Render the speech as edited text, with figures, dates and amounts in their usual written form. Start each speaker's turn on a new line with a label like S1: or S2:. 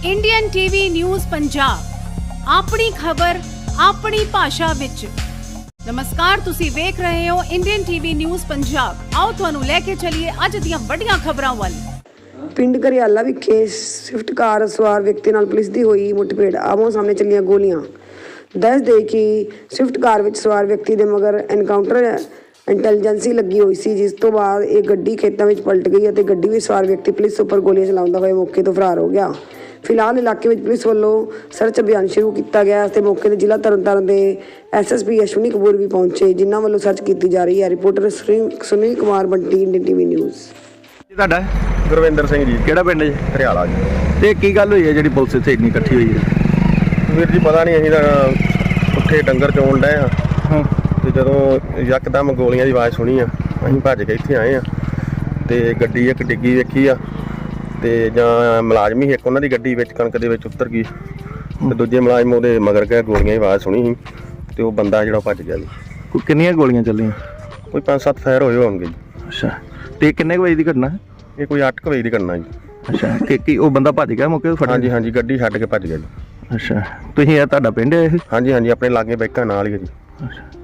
S1: Indian TV news Punjab ਆਪਣੀ ਖਬਰ ਆਪਣੀ ਭਾਸ਼ਾ ਵਿੱਚ। ਨਮਸਕਾਰ, ਤੁਸੀਂ ਵੇਖ ਰਹੇ ਹੋ ਇੰਡੀਅਨ ਟੀਵੀ ਨਿਊਜ਼ ਪੰਜਾਬ। ਆਓ ਤੁਹਾਨੂੰ ਲੈ ਕੇ ਚੱਲੀਏ ਅੱਜ ਦੀਆਂ ਵੱਡੀਆਂ ਖਬਰਾਂ ਵੱਲ।
S2: ਪਿੰਡ ਘਰਿਆਲਾ ਵਿਖੇ ਸਵਿਫਟ ਕਾਰ ਸਵਾਰ ਵਿਅਕਤੀ ਨਾਲ ਪੁਲਿਸ ਦੀ ਹੋਈ ਮੁੱਠਭੇੜ, ਆਮੋ ਸਾਹਮਣੇ ਚੱਲੀਆਂ ਗੋਲੀਆਂ। ਦੱਸ ਦੇ ਕਿ ਸਵਿਫਟ ਕਾਰ ਵਿੱਚ ਸਵਾਰ ਵਿਅਕਤੀ ਦੇ ਮਗਰ ਐਨਕਾਊਂਟਰ ਇੰਟੈਲੀਜੈਂਸੀ ਲੱਗੀ ਹੋਈ ਸੀ, ਜਿਸ ਤੋਂ ਬਾਅਦ ਇਹ ਗੱਡੀ ਖੇਤਾਂ ਵਿੱਚ ਪਲਟ ਗਈ ਅਤੇ ਗੱਡੀ ਵਿੱਚ ਸਵਾਰ ਵਿਅਕਤੀ ਪੁਲਿਸ ਉੱਪਰ ਗੋਲੀਆਂ ਚਲਾਉਂਦਾ ਹੋਇਆ ਮੌਕੇ ਤੋਂ ਫਰਾਰ ਹੋ ਗਿਆ। ਫਿਲਹਾਲ ਇਲਾਕੇ ਵਿੱਚ ਪੁਲਿਸ ਵੱਲੋਂ ਸਰਚ ਅਭਿਆਨ ਸ਼ੁਰੂ ਕੀਤਾ ਗਿਆ ਅਤੇ ਮੌਕੇ ਤੇ ਜ਼ਿਲ੍ਹਾ ਤਰਨਤਾਰਨ ਦੇ ਐਸਐਸਪੀ ਅਸ਼ਵਨੀ ਕਪੂਰ ਵੀ ਪਹੁੰਚੇ, ਜਿਨ੍ਹਾਂ ਵੱਲੋਂ ਸਰਚ ਕੀਤੀ ਜਾ ਰਹੀ ਹੈ। Reporter Sunil Kumar Bunty, Indian TV News.
S3: ਤੁਹਾਡਾ
S4: ਗੁਰਵਿੰਦਰ ਸਿੰਘ ਜੀ,
S3: ਕਿਹੜਾ ਪਿੰਡ ਜੀ?
S4: ਹਰਿਆਲਾ ਜੀ।
S3: ਤੇ ਕੀ ਗੱਲ ਹੋਈ ਹੈ ਜਿਹੜੀ ਪੁਲਿਸ ਇੱਥੇ ਇੰਨੀ ਇਕੱਠੀ ਹੋਈ ਹੈ?
S4: ਵੀਰ ਜੀ ਪਤਾ ਨਹੀਂ, ਅਸੀਂ ਤਾਂ ਉੱਥੇ ਡੰਗਰ ਚੋਣ ਡਏ ਹਾਂ ਤੇ ਜਦੋਂ ਯਕਦਮ ਗੋਲੀਆਂ ਦੀ ਆਵਾਜ਼ ਸੁਣੀ ਆ, ਅਸੀਂ ਭੱਜ ਕੇ ਇੱਥੇ ਆਏ ਆ ਤੇ ਗੱਡੀ ਇੱਕ ਡਿੱਗੀ ਵੇਖੀ ਆ ਤੇ ਜਾਂ ਮੁਲਾਜ਼ਮ ਹੀ ਇੱਕ ਉਹਨਾਂ ਦੀ ਗੱਡੀ ਵਿੱਚ ਕਣਕ ਦੇ ਵਿੱਚ ਉਤਰ ਗਈ ਤੇ ਦੂਜੇ ਮੁਲਾਜ਼ਮ ਉਹਦੇ ਮਗਰ ਗਏ। ਗੋਲੀਆਂ ਦੀ ਆਵਾਜ਼ ਸੁਣੀ ਸੀ ਤੇ ਉਹ ਬੰਦਾ ਜਿਹੜਾ ਭੱਜ ਗਿਆ ਜੀ।
S3: ਕਿੰਨੀਆਂ ਗੋਲੀਆਂ ਚੱਲੀਆਂ?
S4: ਕੋਈ 5-7 ਫਾਇਰ ਹੋਏ ਹੋਣਗੇ ਜੀ।
S3: ਅੱਛਾ, ਤੇ ਕਿੰਨੇ ਕੁ ਵਜੇ ਦੀ ਘਟਨਾ?
S4: ਇਹ ਕੋਈ 8 ਵਜੇ ਦੀ ਘਟਨਾ ਜੀ।
S3: ਅੱਛਾ, ਕੀ ਉਹ ਬੰਦਾ ਭੱਜ ਗਿਆ ਮੌਕੇ ਤੋਂ ਫੜ?
S4: ਹਾਂਜੀ ਹਾਂਜੀ, ਗੱਡੀ ਛੱਡ ਕੇ ਭੱਜ ਗਿਆ ਜੀ।
S3: ਅੱਛਾ, ਤੁਸੀਂ ਇਹ ਤੁਹਾਡਾ ਪਿੰਡ ਹੈ ਇਹ?
S4: ਹਾਂਜੀ ਹਾਂਜੀ, ਆਪਣੇ ਲਾਗੇ ਬੈਕਾਂ ਨਾਲ ਹੀ ਹੈ ਜੀ।
S3: ਅੱਛਾ,